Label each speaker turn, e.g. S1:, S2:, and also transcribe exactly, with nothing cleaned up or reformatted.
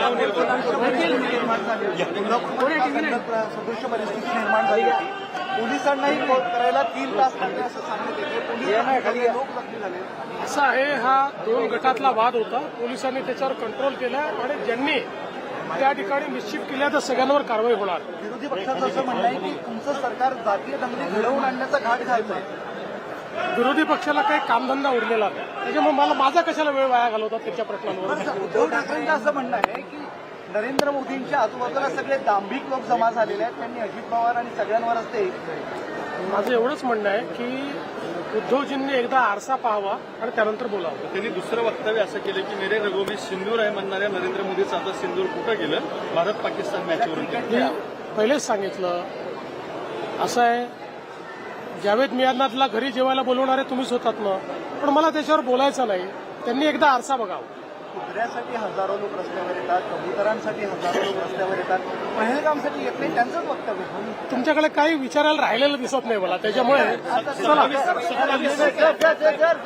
S1: सदृश्य परिस्थिती निर्माण झाली होती. पोलिसांनाही करायला तीन तास लागले असं सांगण्यात येते. पोलिसांना लोक जखमी झाले.
S2: असं आहे, हा दोन गटातला वाद होता. पोलिसांनी त्याच्यावर कंट्रोल केला आणि ज्यांनी त्या ठिकाणी निश्चित केल्या तर सगळ्यांवर कारवाई होणार.
S1: विरोधी पक्षाचं असं म्हणणं आहे की तुमचं सरकार जातीय दंगली घडवून आणण्याचा घाट घालतंय.
S2: विरोधी पक्षाला काही कामधंदा उरलेला नाही, त्याच्यामुळे मला माझा कशाला वेळ वाया घालवतात त्यांच्या प्रश्नांवर.
S1: उद्धव ठाकरेंचं असं म्हणणं आहे की नरेंद्र मोदींच्या आजूबाजूला सगळे दांभिक लोक जमा झालेले आहेत. त्यांनी अजित पवार आणि सगळ्यांवरच ते.
S2: माझं एवढंच म्हणणं आहे की उद्धवजींनी एकदा आरसा पाहावा आणि त्यानंतर बोलावं.
S3: त्यांनी दुसरं वक्तव्य असं केलं की मेरे रगों में सिंदूर आहे म्हणणाऱ्या नरेंद्र मोदीचं आता सिंदूर कुठं गेलं भारत पाकिस्तान मॅचवरून.
S2: मी पहिलेच सांगितलं, असं आहे, जावेद मियानातला घरी जेवायला बोलवणारे तुम्हीच होतात ना, पण मला त्याच्यावर बोलायचं नाही. त्यांनी एकदा आरसा बघावा.
S1: कुत्र्यासाठी हजारो लोक रस्त्यावर येतात, कबुतरांसाठी हजारो लोक रस्त्यावर येतात, पहलगामसाठी येत नाही, त्यांचंच वक्तव्य.
S2: तुमच्याकडे काही विचारायला राहिलेलं दिसत नाही मला, त्याच्यामुळे चला.